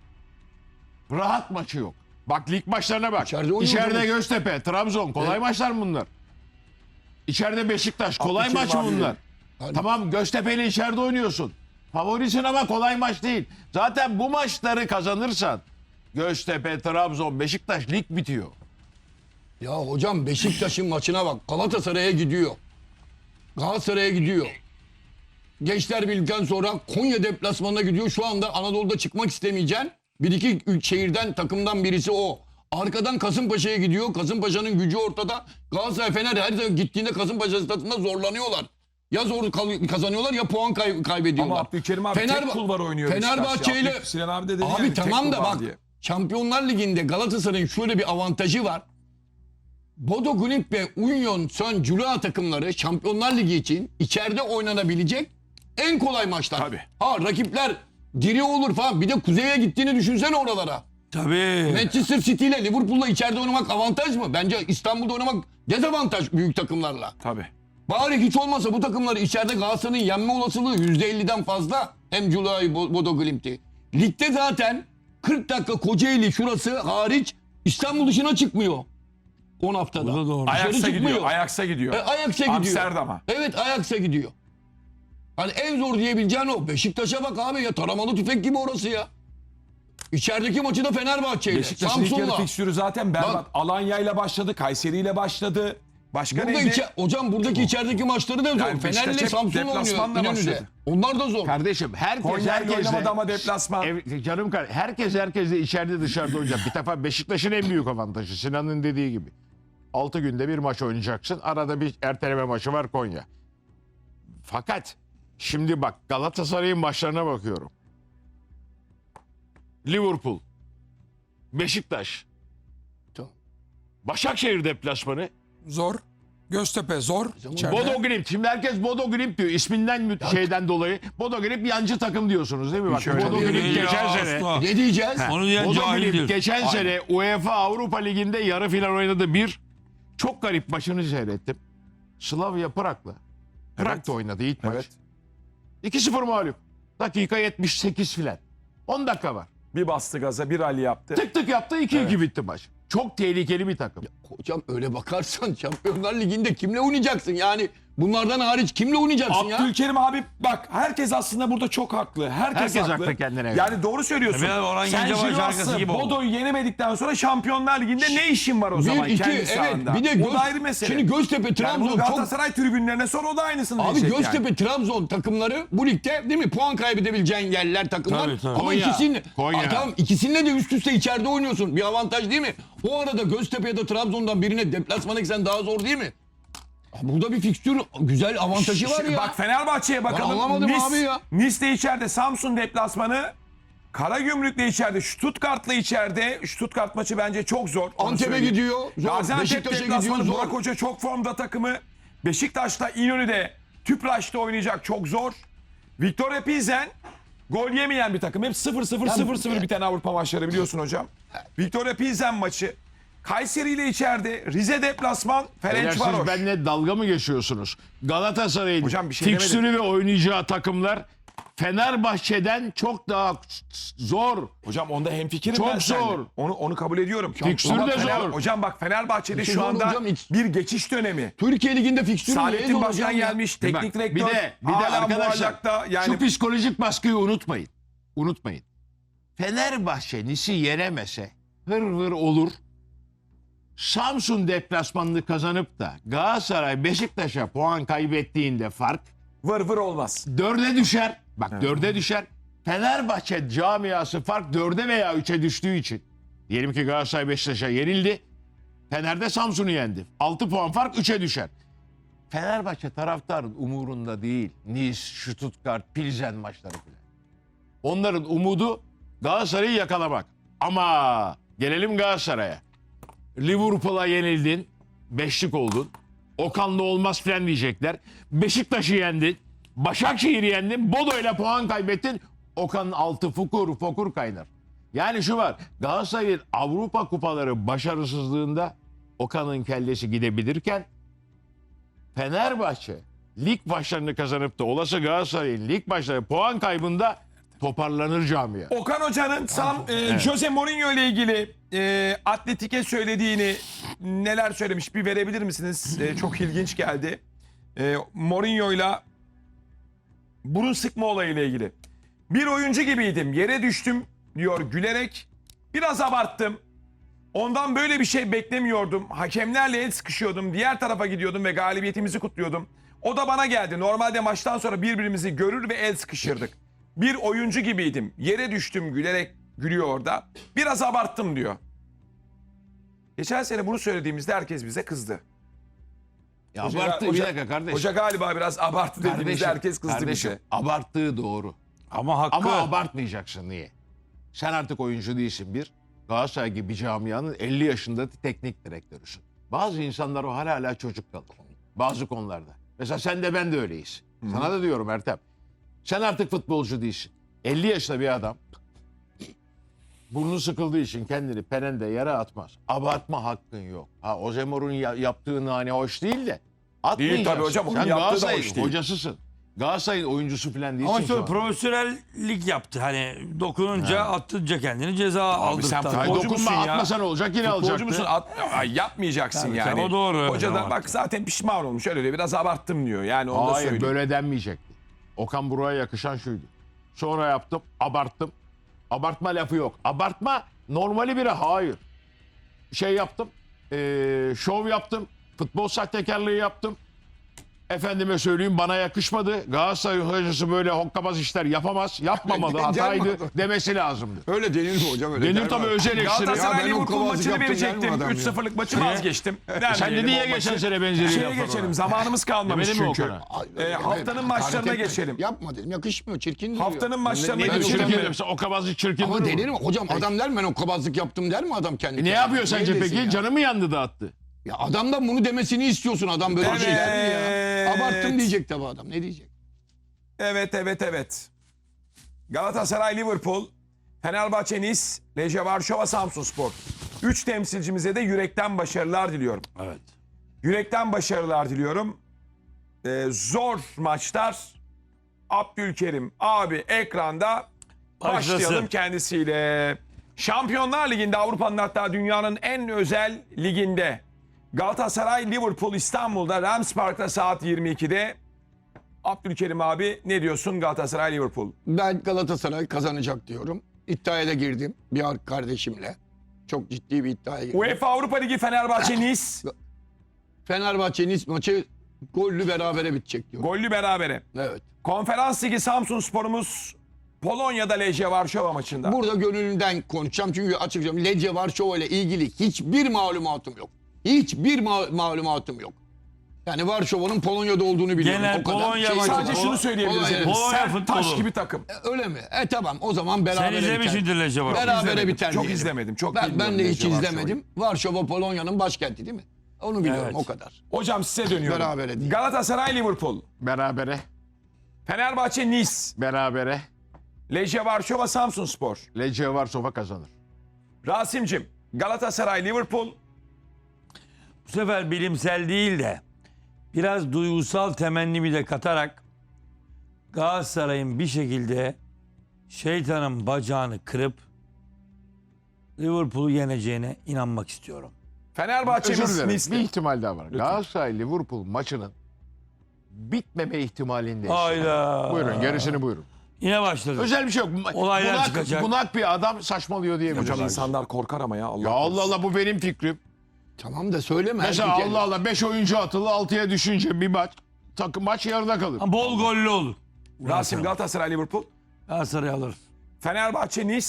Speaker 3: rahat maçı yok. Bak lig maçlarına bak.
Speaker 5: İçeride oynuyor
Speaker 3: İçeride
Speaker 5: tabii.
Speaker 3: Göztepe, Trabzon kolay maçlar mı bunlar? İçeride Beşiktaş kolay
Speaker 1: Abdülkerim
Speaker 3: maç mı
Speaker 1: abi
Speaker 3: bunlar?
Speaker 5: Yani-
Speaker 3: Tamam, Göztepe'yle içeride oynuyorsun. Favorisin ama kolay maç değil. Zaten bu maçları kazanırsan Göztepe, Trabzon, Beşiktaş lig bitiyor.
Speaker 5: Ya hocam Beşiktaş'ın maçına bak. Galatasaray'a gidiyor. Galatasaray'a gidiyor. Gençler Birliği'nden sonra Konya deplasmanına gidiyor. Şu anda Anadolu'da çıkmak istemeyeceksin. Bir iki üç şehirden takımdan birisi o. Arkadan Kasımpaşa'ya gidiyor. Kasımpaşa'nın gücü ortada. Galatasaray Fener her zaman gittiğinde Kasımpaşa stadında zorlanıyorlar. Ya zor kal- kazanıyorlar ya puan kay- kaybediyorlar.
Speaker 1: Ama Abdülkerim abi
Speaker 5: Fener-
Speaker 1: tek kulvar oynuyor.
Speaker 5: Fenerbahçe
Speaker 1: Beşiktaş ya.
Speaker 5: ile
Speaker 1: Abdül- Sinan abi de dedi
Speaker 5: abi
Speaker 1: yani, tek
Speaker 5: tamam
Speaker 1: kul
Speaker 5: da
Speaker 1: var
Speaker 5: bak
Speaker 1: diye.
Speaker 5: Şampiyonlar Ligi'nde Galatasaray'ın şöyle bir avantajı var. Bodo Glimt ve Union Saint Gilloise takımları Şampiyonlar Ligi için içeride oynanabilecek en kolay maçlar.
Speaker 1: Tabii.
Speaker 5: Ha rakipler diri olur falan. Bir de kuzeye gittiğini düşünsene oralara.
Speaker 4: Tabii.
Speaker 5: Manchester City ile Liverpool'la içeride oynamak avantaj mı? Bence İstanbul'da oynamak dezavantaj büyük takımlarla.
Speaker 1: Tabii.
Speaker 5: Bari hiç olmasa bu takımları içeride Galatasaray'ın yenme olasılığı yüzde elliden fazla. Hem Gillois'u Bodo Glimt'i. Ligde zaten kırk dakika Kocaeli şurası hariç İstanbul dışına çıkmıyor. on haftada.
Speaker 4: Bu da doğru.
Speaker 5: Dışarı
Speaker 1: Ajax'a gidiyor.
Speaker 5: çıkmıyor.
Speaker 1: Ajax'a gidiyor.
Speaker 5: E, Ajax'a gidiyor.
Speaker 1: Amsterdam'a.
Speaker 5: Evet Ajax'a gidiyor. Hani en zor diyebileceğin o. Beşiktaş'a bak abi ya taramalı tüfek gibi orası ya. İçerideki maçı da Fenerbahçe ile.
Speaker 1: Beşiktaş'ın ilk yarı
Speaker 5: Samsun'la.
Speaker 1: fikstürü zaten berbat.
Speaker 5: Bak.
Speaker 1: Alanya ile başladı, Kayseri ile başladı. Başka
Speaker 5: Burada
Speaker 1: neydi?
Speaker 5: içe, hocam buradaki içerideki maçları da zor.
Speaker 1: Yani Beşiktaş
Speaker 5: Fener'le
Speaker 1: hep
Speaker 5: Samsun'la oynuyor
Speaker 1: deplasmanla
Speaker 5: İnönü'de.
Speaker 1: başladı.
Speaker 5: Onlar da zor.
Speaker 3: Kardeşim herkes
Speaker 1: Konya ile
Speaker 3: herkesle
Speaker 1: oynamadı ama deplasman.
Speaker 3: Evet, canım kardeşim, herkes herkesle içeride dışarıda oynayacak. Bir defa Beşiktaş'ın en büyük avantajı Sinan'ın dediği gibi. altı günde bir maç oynayacaksın. Arada bir erteleme maçı var Konya. Fakat şimdi bak Galatasaray'ın maçlarına bakıyorum. Liverpool, Beşiktaş,
Speaker 5: Tamam.
Speaker 3: Başakşehir deplasmanı,
Speaker 2: Zor. Göztepe zor. İçeride.
Speaker 3: Bodo Glimt. Şimdi herkes Bodo Glimt diyor. İsminden mü- şeyden dolayı. Bodo Glimt yancı takım diyorsunuz değil mi? Bak
Speaker 1: öyle
Speaker 3: Bodo
Speaker 1: değil.
Speaker 3: Glimt
Speaker 4: Ya
Speaker 3: geçen
Speaker 4: asla.
Speaker 3: sene
Speaker 5: Ne diyeceğiz?
Speaker 4: Onu diyen
Speaker 3: Bodo
Speaker 4: cahildir.
Speaker 3: Glimt geçen sene UEFA Avrupa Ligi'nde yarı final oynadı. Bir çok garip maçını seyrettim. Slavia Prag'la. Prag'da oynadı ilk maç.
Speaker 1: Evet.
Speaker 3: iki sıfır mağlup. Dakika yetmiş sekiz filan. on dakika var.
Speaker 1: Bir bastı gaza, bir Ali yaptı.
Speaker 3: Tık tık yaptı iki iki bitti maç. Çok tehlikeli bir takım.
Speaker 5: Hocam öyle bakarsan Şampiyonlar Ligi'nde kimle oynayacaksın? Yani bunlardan hariç kimle oynayacaksın ya?
Speaker 1: Abdülkerim abi bak herkes aslında burada çok haklı. Herkes,
Speaker 3: Herkes haklı kendine göre.
Speaker 1: Yani doğru söylüyorsun.
Speaker 4: Biraz Orhan
Speaker 1: Sen
Speaker 4: Gencebay şarkısı
Speaker 1: Jiroas'ı,
Speaker 4: gibi oldu.
Speaker 1: Bodo'yu yenemedikten sonra Şampiyonlar Ligi'nde ne işin var o zaman
Speaker 5: Bir, iki,
Speaker 1: kendi
Speaker 5: evet.
Speaker 1: sahanda?
Speaker 5: Bir de
Speaker 1: o
Speaker 5: Göz-
Speaker 1: da ayrı mesele.
Speaker 5: Şimdi Göztepe,
Speaker 1: yani
Speaker 5: Trabzon
Speaker 1: bunu
Speaker 5: çok...
Speaker 1: Galatasaray tribünlerine sonra o da aynısını
Speaker 5: Abi
Speaker 1: diyecek
Speaker 5: Göztepe,
Speaker 1: yani.
Speaker 5: Trabzon takımları bu ligde değil mi? Puan kaybedebileceğin yerler takımlar.
Speaker 4: Tabii, tabii.
Speaker 5: Ama
Speaker 3: Konya,
Speaker 5: ikisini,
Speaker 3: Konya.
Speaker 5: Aa, tamam, ikisinde de üst üste içeride oynuyorsun. Bir avantaj değil mi? O arada Göztepe ya da Trabzon'dan birine deplasmana gitsen daha zor değil mi? Burada bir fikstür güzel avantajı var
Speaker 1: Şimdi
Speaker 5: ya.
Speaker 1: Bak Fenerbahçe'ye bakalım.
Speaker 5: anlamadım
Speaker 1: Nice,
Speaker 5: abi ya.
Speaker 1: Nice de içeride, Samsun deplasmanı. Karagümrük'le içeride, Stuttgart'la içeride. Stuttgart maçı bence çok zor. onu
Speaker 5: Antep'e
Speaker 1: söyleyeyim.
Speaker 5: gidiyor. Zor.
Speaker 1: Gaziantep
Speaker 5: Beşiktaş'a
Speaker 1: deplasmanı,
Speaker 5: gidiyor.
Speaker 1: Burak
Speaker 5: Zor.
Speaker 1: Hoca çok formda takımı. Beşiktaş'ta İnönü'de, Tüpraş'ta oynayacak çok zor. Victoria Pilsen gol yemeyen bir takım. Hep sıfır sıfır sıfır sıfır biten Avrupa maçları biliyorsun hocam. Victoria Pilsen maçı. Kayseri ile içeride, Rize deplasman,
Speaker 3: Beyler, siz
Speaker 1: Ferencvaros.
Speaker 3: benimle dalga mı geçiyorsunuz? Galatasaray'ın
Speaker 1: Hocam bir şey
Speaker 3: fikstürü ve oynayacağı takımlar Fenerbahçe'den çok daha zor.
Speaker 1: Hocam onda hemfikirim
Speaker 3: Çok
Speaker 1: ben seninle.
Speaker 3: zor.
Speaker 1: Onu onu kabul ediyorum.
Speaker 3: Fikstür
Speaker 1: Ama
Speaker 3: de
Speaker 1: Fener-
Speaker 3: zor.
Speaker 1: Hocam bak Fenerbahçe'de
Speaker 5: Fikstür
Speaker 1: şu
Speaker 5: zor
Speaker 1: anda
Speaker 5: hocam, hiç-
Speaker 1: bir geçiş dönemi.
Speaker 5: Türkiye Ligi'nde fikstürü
Speaker 1: Saadettin Başkan gelmiş, teknik
Speaker 3: Bak,
Speaker 1: direktör.
Speaker 3: bir de bir de
Speaker 1: hala
Speaker 3: arkadaşlar
Speaker 1: muallakta. yani
Speaker 3: şu psikolojik baskıyı unutmayın. Unutmayın. Fenerbahçe Nis'i yenemese hır hır olur. Samsun deplasmanını kazanıp da Galatasaray Beşiktaş'a puan kaybettiğinde fark
Speaker 1: vır vır olmaz.
Speaker 3: dörde düşer. Bak dörde düşer. Fenerbahçe camiası fark dörde veya üçe düştüğü için. Diyelim ki Galatasaray Beşiktaş'a yenildi. Fener'de Samsun'u yendi. altı puan fark üçe düşer. Fenerbahçe taraftarın umurunda değil. Nice, Stuttgart, Pilsen maçları falan. Onların umudu Galatasaray'ı yakalamak. Ama gelelim Galatasaray'a. Liverpool'a yenildin. Beşlik oldun. Okan'la olmaz filan diyecekler. Beşiktaş'ı yendin. Başakşehir'i yendin. Bodo'yla puan kaybettin. Okan'ın altı fukur fokur kaynar. Yani şu var. Galatasaray'ın Avrupa kupaları başarısızlığında Okan'ın kellesi gidebilirken Fenerbahçe lig maçlarını kazanıp da olası Galatasaray'ın lig maçları puan kaybında toparlanır camia.
Speaker 1: Okan Hoca'nın Sam, e, Jose Mourinho ile ilgili e, Atletik'e söylediğini neler söylemiş bir verebilir misiniz? E, çok ilginç geldi. E, Mourinho'yla burun sıkma olayıyla ilgili. Bir oyuncu gibiydim. Yere düştüm diyor gülerek. Biraz abarttım. Ondan böyle bir şey beklemiyordum. Hakemlerle el sıkışıyordum. Diğer tarafa gidiyordum ve galibiyetimizi kutluyordum. O da bana geldi. Normalde maçtan sonra birbirimizi görür ve el sıkışırdık. Bir oyuncu gibiydim. Yere düştüm gülerek gülüyor orada. Biraz abarttım diyor. Geçen sene bunu söylediğimizde herkes bize kızdı.
Speaker 3: Ya
Speaker 1: Hoca-
Speaker 3: abarttı
Speaker 1: hoca-
Speaker 3: bir dakika kardeşim.
Speaker 1: Hoca galiba biraz abarttı dediğimizde
Speaker 3: Kardeşim,
Speaker 1: herkes kızdı
Speaker 3: kardeşim,
Speaker 1: bize.
Speaker 3: abarttığı doğru.
Speaker 4: Ama hakkı.
Speaker 3: Ama abartmayacaksın niye? Sen artık oyuncu değilsin bir. Galatasaray gibi bir camianın elli yaşında teknik direktörüsün. Bazı insanlar o hala hala çocuk kalır. Bazı konularda. Mesela sen de ben de öyleyiz. Sana da diyorum Ertem. Sen artık futbolcu değilsin. elli yaşında bir adam burnu sıkıldığı için kendini penende yere atmaz. Abartma hakkın yok. Ha Ozemor'un ya- yaptığı nane hoş değil de atmayacaksın.
Speaker 1: Değil tabii hocam, onun
Speaker 3: Sen
Speaker 1: yaptığı da
Speaker 3: Galatasaray'ın
Speaker 1: hoş değil.
Speaker 3: hocasısın. Galatasaray'ın oyuncusu falan değilsin.
Speaker 4: Ama
Speaker 3: şu
Speaker 4: şöyle
Speaker 3: an.
Speaker 4: profesyonellik yaptı. Hani dokununca attırınca kendini ceza aldırttı.
Speaker 1: sen
Speaker 3: Ay,
Speaker 1: futbolcu
Speaker 3: dokunma
Speaker 1: musun ya?
Speaker 3: atmasan olacak yine
Speaker 1: Futbolcu
Speaker 3: alacaktı.
Speaker 1: musun? At, ay, yapmayacaksın
Speaker 4: Tabii,
Speaker 1: yani.
Speaker 4: tabii, o doğru.
Speaker 1: Hoca da
Speaker 4: Tamam.
Speaker 1: bak zaten pişman olmuş. Öyle diyor. Biraz abarttım diyor. Yani onu da
Speaker 3: Hayır
Speaker 1: söyleyeyim.
Speaker 3: böyle denmeyecekti. Okan Buruk'a yakışan şuydu. Sonra yaptım, abarttım. Abartma lafı yok. Abartma normali biri hayır. Şey yaptım. eee, şov yaptım. Futbol sahtekarlığı yaptım. Efendime söyleyeyim bana yakışmadı. Galatasaray hocası böyle hokkabaz işler yapamaz. Yapmamalı. Hataydı demesi lazımdı.
Speaker 5: Öyle denir mi hocam? Öyle
Speaker 3: Denir
Speaker 5: der mi?
Speaker 3: tabii özel ekstra.
Speaker 1: Galatasaray
Speaker 5: ben o
Speaker 1: Liverpool
Speaker 5: kovazlık
Speaker 1: maçını
Speaker 5: yaptım der mi
Speaker 1: verecektim.
Speaker 5: adam ya?
Speaker 1: üç sıfırlık maçı vazgeçtim.
Speaker 3: Sen dedin ya geçen sene benzeri
Speaker 1: Şeye
Speaker 3: laflar
Speaker 1: geçelim.
Speaker 3: var.
Speaker 1: Zamanımız kalmamış
Speaker 3: Demedin mi
Speaker 1: çünkü.
Speaker 3: Okan'a?
Speaker 5: Ay,
Speaker 1: Ee,
Speaker 5: evet,
Speaker 1: haftanın
Speaker 5: hakaret
Speaker 1: maçlarına
Speaker 5: etme.
Speaker 1: geçelim.
Speaker 5: Yapma dedim. Yakışmıyor. Çirkin duruyor.
Speaker 1: Haftanın maçlarına
Speaker 3: Ne
Speaker 5: Ben
Speaker 3: diyor
Speaker 1: geçelim.
Speaker 3: çirkin demiş. Hokkabazlık çirkin
Speaker 5: Ama
Speaker 3: durur mu?
Speaker 5: denir mi? Hocam adam der mi ben o kabazlık yaptım der mi adam kendi?
Speaker 3: E ne
Speaker 5: kendine?
Speaker 3: yapıyor sence
Speaker 5: Niye desin
Speaker 3: peki?
Speaker 5: ya?
Speaker 3: Canı mı yandı da attı?
Speaker 5: Ya adamdan bunu demesini istiyorsun. Adam böyle bir şey der mi ya?
Speaker 1: Evet.
Speaker 5: Abarttım diyecek tabii adam. Ne diyecek?
Speaker 1: Evet, evet, evet. Galatasaray, Liverpool, Fenerbahçe, Nice, Lejje Varşova, Samsunspor. Üç temsilcimize de yürekten başarılar diliyorum.
Speaker 4: Evet.
Speaker 1: Yürekten başarılar diliyorum. Ee, zor maçlar. Abdülkerim abi ekranda
Speaker 4: Başlasın.
Speaker 1: başlayalım kendisiyle. Şampiyonlar Ligi'nde Avrupa'nın hatta dünyanın en özel liginde Galatasaray Liverpool İstanbul'da Rams Park'ta saat yirmi ikide. Abdülkerim abi ne diyorsun Galatasaray Liverpool?
Speaker 5: Ben Galatasaray kazanacak diyorum. İddiaya da girdim bir ar- kardeşimle. Çok ciddi bir iddiaya girdim.
Speaker 1: UEFA Avrupa Ligi Fenerbahçe Nice
Speaker 5: Fenerbahçe Nice maçı gollü berabere bitecek diyorum.
Speaker 1: gollü berabere.
Speaker 5: Evet.
Speaker 1: Konferans Ligi Samsunspor'umuz Polonya'da Lejje Varşova maçında.
Speaker 5: Burada gönlümden konuşacağım çünkü açıkçası Lejje Varşova ile ilgili hiçbir malumatım yok. Hiçbir ma- malumatım yok. Yani Varşova'nın Polonya'da olduğunu biliyorum.
Speaker 4: Genel
Speaker 5: o kadar
Speaker 4: Polonya
Speaker 5: şey
Speaker 4: maçı-
Speaker 5: yok.
Speaker 1: Sadece
Speaker 4: Polo-
Speaker 1: şunu söyleyebiliriz.
Speaker 5: Polonya-
Speaker 1: hepimiz.
Speaker 4: Polonya
Speaker 1: Sert taş
Speaker 4: futbolu.
Speaker 1: gibi takım.
Speaker 5: Öyle mi? E tamam o zaman
Speaker 4: Sen
Speaker 5: berabere
Speaker 4: izlemişsindir
Speaker 5: biter.
Speaker 4: Lejje var.
Speaker 5: Berabere
Speaker 1: İzlemedim,
Speaker 5: biter
Speaker 1: çok
Speaker 5: diyelim.
Speaker 1: izlemedim, çok
Speaker 5: ben,
Speaker 1: bilmiyorum
Speaker 5: ben de hiç
Speaker 1: Lejje Varşova'yı.
Speaker 5: izlemedim. Varşova Polonya'nın başkenti değil mi? Onu biliyorum
Speaker 4: Evet.
Speaker 5: o kadar.
Speaker 1: Hocam size dönüyorum.
Speaker 5: Berabere değil.
Speaker 1: Galatasaray Liverpool,
Speaker 3: Berabere.
Speaker 1: Fenerbahçe Nice,
Speaker 3: Berabere.
Speaker 1: Lejje Varşova Samsunspor.
Speaker 3: Lejje Varşova kazanır.
Speaker 1: Rasim'cim Galatasaray Liverpool,
Speaker 4: Bu sefer bilimsel değil de biraz duygusal temennimi de katarak Galatasaray'ın bir şekilde şeytanın bacağını kırıp Liverpool'u yeneceğine inanmak istiyorum.
Speaker 3: Özür
Speaker 1: Fenerbahçe'miz
Speaker 3: dilerim. Bir
Speaker 1: Nice'li.
Speaker 3: ihtimal daha var. Galatasaray Liverpool maçının bitmeme ihtimalindeyiz.
Speaker 4: Hayda.
Speaker 3: Buyurun gerisini buyurun.
Speaker 4: Yine başladı.
Speaker 3: Özel bir şey yok.
Speaker 4: Olaylar
Speaker 3: bunak,
Speaker 4: çıkacak.
Speaker 3: bunak bir adam saçmalıyor diyebiliriz.
Speaker 1: Hocam insanlar korkar ama ya Allah.
Speaker 3: Ya Allah
Speaker 1: korusun.
Speaker 3: Allah bu benim fikrim.
Speaker 5: Tamam da söyleme.
Speaker 3: Mesela
Speaker 5: her fikir-
Speaker 3: Allah Allah beş oyuncu atılı altıya düşünce bir maç takım maç yarıda kalır.
Speaker 4: Ama bol gollü olur.
Speaker 1: Rasim Galatasaray Liverpool,
Speaker 4: Galatasaray alır.
Speaker 1: Fenerbahçe Nice,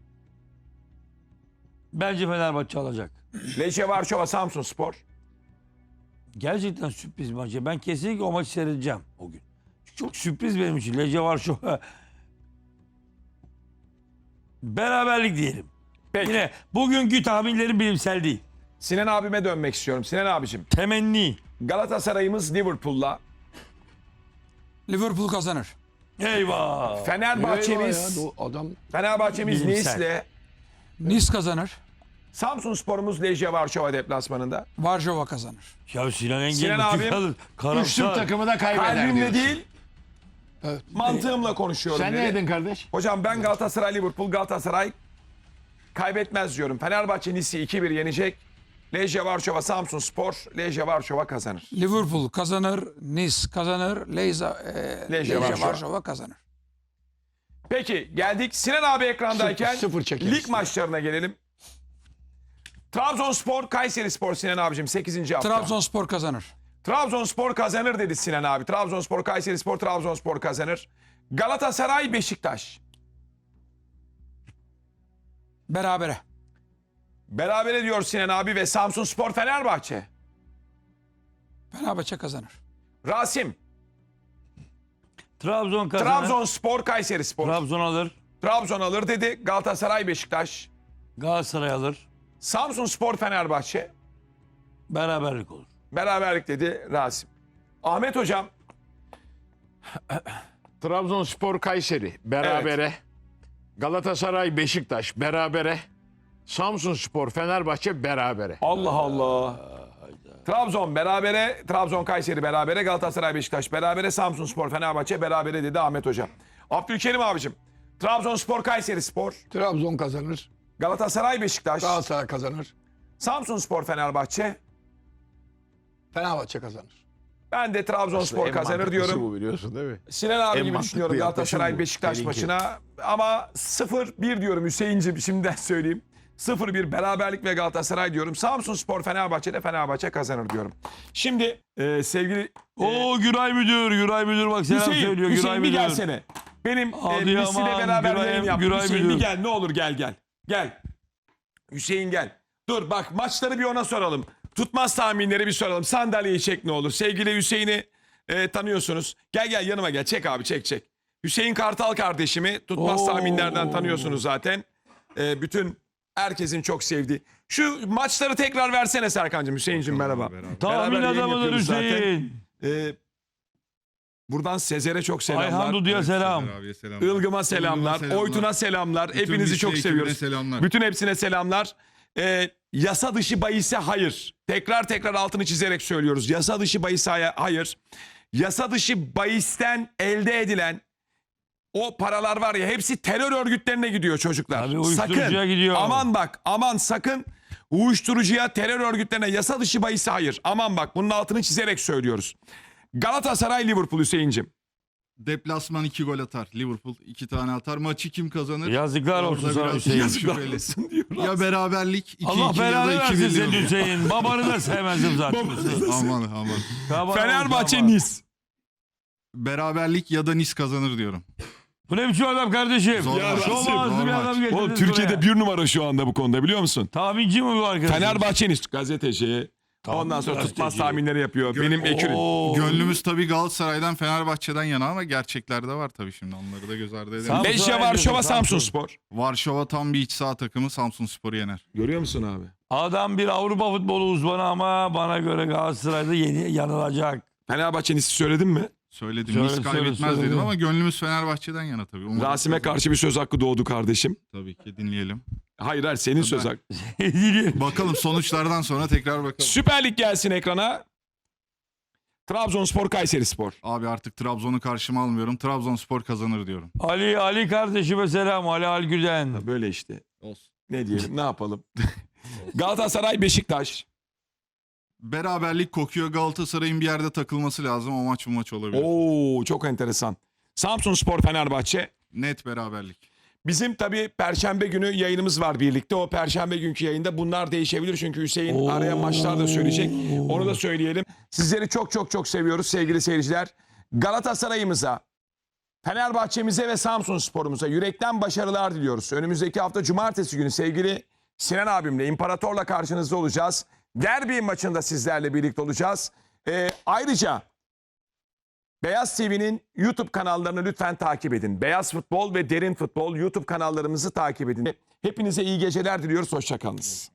Speaker 4: Bence Fenerbahçe alacak.
Speaker 1: Lejje Varşova Samsunspor.
Speaker 4: Gerçekten sürpriz bir maç. Ben kesinlikle o maçı seyredeceğim o gün. Çünkü çok sürpriz benim için. Lejje var şu. Beraberlik diyelim.
Speaker 1: Peki.
Speaker 4: Yine bugünkü tahminlerim bilimsel değil.
Speaker 1: Sinan abime dönmek istiyorum. Sinan abicim
Speaker 4: Temenni.
Speaker 1: Galatasaray'ımız Liverpool'la,
Speaker 2: Liverpool kazanır.
Speaker 4: Eyvah.
Speaker 1: Fenerbahçe'miz
Speaker 5: Eyvah ya, adam
Speaker 1: Fenerbahçe'miz
Speaker 4: Bilimsel.
Speaker 1: Nice'le,
Speaker 2: Nice kazanır.
Speaker 1: Samsunspor'umuz Lejje Varşova deplasmanında.
Speaker 2: Varşova kazanır.
Speaker 4: Ya Sinan Engin
Speaker 1: Sinan
Speaker 4: bu
Speaker 1: abim,
Speaker 4: tip alır.
Speaker 3: Üç Türk
Speaker 4: Karamsar.
Speaker 3: takımı da kaybeder
Speaker 1: Kalbimle
Speaker 3: diyorsun.
Speaker 1: değil,
Speaker 5: Evet.
Speaker 1: mantığımla konuşuyorum.
Speaker 3: Sen
Speaker 1: dedi.
Speaker 3: ne dedin kardeş?
Speaker 1: Hocam ben Galatasaray Liverpool, Galatasaray kaybetmez diyorum. Fenerbahçe Nice'i iki bir yenecek. Lejje Varşova Samsunspor, Lejje Varşova kazanır.
Speaker 2: Liverpool kazanır. Nice kazanır. Leyza, e,
Speaker 1: Lejje
Speaker 2: Lejje
Speaker 1: Varşova.
Speaker 2: Varşova kazanır.
Speaker 1: Peki geldik Sinan abi ekrandayken
Speaker 5: Sıfır- sıfır çekeriz.
Speaker 1: lig maçlarına gelelim. Trabzonspor, Kayserispor Sinan abicim sekizinci hafta.
Speaker 2: Trabzonspor kazanır.
Speaker 1: Trabzonspor kazanır dedi Sinan abi. Trabzonspor, Kayserispor, Trabzonspor kazanır. Galatasaray, Beşiktaş.
Speaker 2: Berabere.
Speaker 1: Berabere diyor Sinan abi ve Samsunspor, Fenerbahçe.
Speaker 2: Fenerbahçe kazanır.
Speaker 1: Rasim,
Speaker 4: Trabzon kazanır.
Speaker 1: Trabzonspor, Kayserispor.
Speaker 4: Trabzon alır.
Speaker 1: Trabzon alır dedi. Galatasaray, Beşiktaş.
Speaker 4: Galatasaray alır.
Speaker 1: Samsunspor, Fenerbahçe.
Speaker 4: Beraberlik olur.
Speaker 1: Beraberlik dedi Rasim. Ahmet hocam,
Speaker 3: Trabzonspor Kayseri berabere. Galatasaray Beşiktaş berabere. Samsunspor Fenerbahçe berabere.
Speaker 1: Allah Allah. Trabzon berabere, Trabzon Kayseri berabere, Galatasaray Beşiktaş berabere, Samsunspor Fenerbahçe berabere dedi Ahmet hocam. Abdülkerim abicim. Trabzonspor Kayserispor,
Speaker 5: Trabzon kazanır.
Speaker 1: Galatasaray Beşiktaş,
Speaker 5: Galatasaray kazanır.
Speaker 1: Samsunspor Fenerbahçe,
Speaker 5: Fenerbahçe kazanır.
Speaker 1: Ben de Trabzonspor
Speaker 3: En
Speaker 1: kazanır
Speaker 3: mantıklısı
Speaker 1: diyorum.
Speaker 3: bu, biliyorsun değil mi?
Speaker 1: Sinan abi
Speaker 3: En
Speaker 1: gibi
Speaker 3: mantıklı
Speaker 1: düşünüyorum
Speaker 3: yaklaşım
Speaker 1: Galatasaray
Speaker 3: bu.
Speaker 1: Beşiktaş
Speaker 3: Seninki.
Speaker 1: maçına. Ama sıfır bir diyorum Hüseyin'cim, şimdiden söyleyeyim. sıfır bir beraberlik ve Galatasaray diyorum. Samsunspor Fenerbahçe'de Fenerbahçe kazanır diyorum. Şimdi e, sevgili
Speaker 4: Oo Güray Müdür, Güray Müdür bak selam
Speaker 1: Hüseyin,
Speaker 4: söylüyor
Speaker 1: Hüseyin
Speaker 4: Güray
Speaker 1: bir
Speaker 4: Müdür.
Speaker 1: gelsene. Benim e,
Speaker 4: Adıyaman,
Speaker 1: Misli'yle beraber
Speaker 4: Güray-
Speaker 1: yayın yaptık.
Speaker 4: Güray
Speaker 1: Hüseyin bir
Speaker 4: Müdür.
Speaker 1: gel, ne olur gel gel. Gel. Hüseyin gel. Dur bak, maçları bir ona soralım. Tutmaz tahminleri bir soralım. Sandalyeyi çek ne olur. Sevgili Hüseyin'i e, tanıyorsunuz. Gel gel yanıma gel. Çek abi, çek çek. Hüseyin Kartal kardeşimi tutmaz
Speaker 4: Oo.
Speaker 1: tahminlerden tanıyorsunuz zaten. E, bütün herkesin çok sevdiği. Şu maçları tekrar versene Serkan'cığım. Hüseyin'cim merhaba.
Speaker 4: Tahmin
Speaker 1: Beraber yayın
Speaker 4: adamıdır
Speaker 1: yapıyoruz zaten.
Speaker 4: Hüseyin.
Speaker 1: E, buradan Sezer'e çok selamlar.
Speaker 4: Ayhan Dudu'ya selam.
Speaker 6: Abiye selamlar.
Speaker 1: Ilgım'a selamlar,
Speaker 6: selamlar.
Speaker 1: Oytun'a selamlar.
Speaker 6: Bütün
Speaker 1: Hepinizi
Speaker 6: Misli
Speaker 1: çok
Speaker 6: ekibine
Speaker 1: seviyoruz.
Speaker 6: selamlar.
Speaker 1: Bütün hepsine selamlar. Ee, yasa dışı bahise hayır. Tekrar tekrar altını çizerek söylüyoruz. Yasa dışı bahise hay- hayır. Yasa dışı bahisten elde edilen o paralar var ya, hepsi terör örgütlerine gidiyor çocuklar.
Speaker 4: Tabii uyuşturucuya
Speaker 1: sakın,
Speaker 4: gidiyor.
Speaker 1: aman bak, aman sakın uyuşturucuya, terör örgütlerine, yasa dışı bahise hayır. Aman bak, bunun altını çizerek söylüyoruz. Galatasaray Liverpool Hüseyin'cim.
Speaker 6: Deplasman iki gol atar. Liverpool iki tane atar. Maçı kim kazanır?
Speaker 4: Yazıklar
Speaker 6: Orada
Speaker 4: olsun sana
Speaker 6: biraz
Speaker 4: Hüseyin.
Speaker 1: Yazıklar
Speaker 6: şüpheli.
Speaker 1: olsun diyor.
Speaker 6: Ya beraberlik iki
Speaker 4: Allah
Speaker 6: iki ya
Speaker 4: belanı
Speaker 6: da iki
Speaker 4: versin
Speaker 6: bir
Speaker 4: senin
Speaker 6: diyorum.
Speaker 4: Hüseyin. Babanı da sevmezdim zaten.
Speaker 6: Aman aman.
Speaker 4: Kabar
Speaker 1: Fenerbahçe
Speaker 4: olmuş ama.
Speaker 1: Nice.
Speaker 6: Beraberlik ya da Nice kazanır diyorum.
Speaker 4: Bu ne biçim adam kardeşim?
Speaker 6: Zor
Speaker 4: Ya
Speaker 6: maç.
Speaker 4: şov
Speaker 6: Zor
Speaker 4: ağızlı bir
Speaker 6: maç.
Speaker 4: adam getirdiniz
Speaker 1: Oğlum Türkiye'de
Speaker 4: buraya.
Speaker 1: bir numara şu anda bu konuda, biliyor musun?
Speaker 4: Tahminci mi bu arkadaş?
Speaker 1: Fenerbahçe Nice gazeteci. Ondan sonra tutmaz
Speaker 4: gazeteci.
Speaker 1: tahminleri yapıyor. Benim ekürüm.
Speaker 4: Oo.
Speaker 6: Gönlümüz tabii Galatasaray'dan Fenerbahçe'den yana ama gerçekler de var tabii şimdi. Onları da göz ardı edelim.
Speaker 4: Sam-
Speaker 1: Leşya
Speaker 4: Samsun
Speaker 1: Varşova
Speaker 4: Samsun.
Speaker 1: Samsun Spor.
Speaker 6: Varşova tam bir iç saha takımı, Samsunspor'u yener.
Speaker 1: Görüyor musun abi?
Speaker 4: Adam bir Avrupa futbolu uzmanı ama bana göre Galatasaray'da yeni yanılacak.
Speaker 1: Fenerbahçe Nice'i söyledin mi?
Speaker 6: Söyledim.
Speaker 4: Söyle,
Speaker 6: Nice
Speaker 4: söyle,
Speaker 6: kaybetmez
Speaker 4: söyle.
Speaker 6: dedim ama gönlümüz Fenerbahçe'den yana tabii. Umarım
Speaker 1: Rasim'e
Speaker 6: kazanır.
Speaker 1: karşı bir söz hakkı doğdu kardeşim.
Speaker 6: Tabii ki dinleyelim.
Speaker 1: Hayır hayır, senin söz hakkı.
Speaker 6: Bakalım sonuçlardan sonra tekrar bakalım.
Speaker 1: Süper Lig gelsin ekrana. Trabzonspor Kayserispor.
Speaker 6: Abi artık Trabzon'u karşıma almıyorum. Trabzonspor kazanır diyorum.
Speaker 4: Ali Ali kardeşime selam. Ali Algüden.
Speaker 1: Böyle işte.
Speaker 6: Olsun.
Speaker 1: Ne diyelim, ne yapalım? Galatasaray Beşiktaş.
Speaker 6: Beraberlik kokuyor. Galatasaray'ın bir yerde takılması lazım. O maç bu maç olabilir.
Speaker 1: Oo, çok enteresan. Samsunspor Fenerbahçe.
Speaker 6: Net beraberlik.
Speaker 1: Bizim tabii Perşembe günü yayınımız var birlikte. O Perşembe günkü yayında bunlar değişebilir. Çünkü Hüseyin araya maçlar da söyleyecek. Onu da söyleyelim. Sizleri çok çok çok seviyoruz sevgili seyirciler. Galatasaray'ımıza, Fenerbahçe'mize ve Samsunspor'umuza yürekten başarılar diliyoruz. Önümüzdeki hafta Cumartesi günü sevgili Sinan abimle, İmparator'la karşınızda olacağız. Derbi maçında sizlerle birlikte olacağız. Ee, ayrıca Beyaz T V'nin YouTube kanallarını lütfen takip edin. Beyaz Futbol ve Derin Futbol YouTube kanallarımızı takip edin. Hepinize iyi geceler diliyoruz. Hoşça kalınız.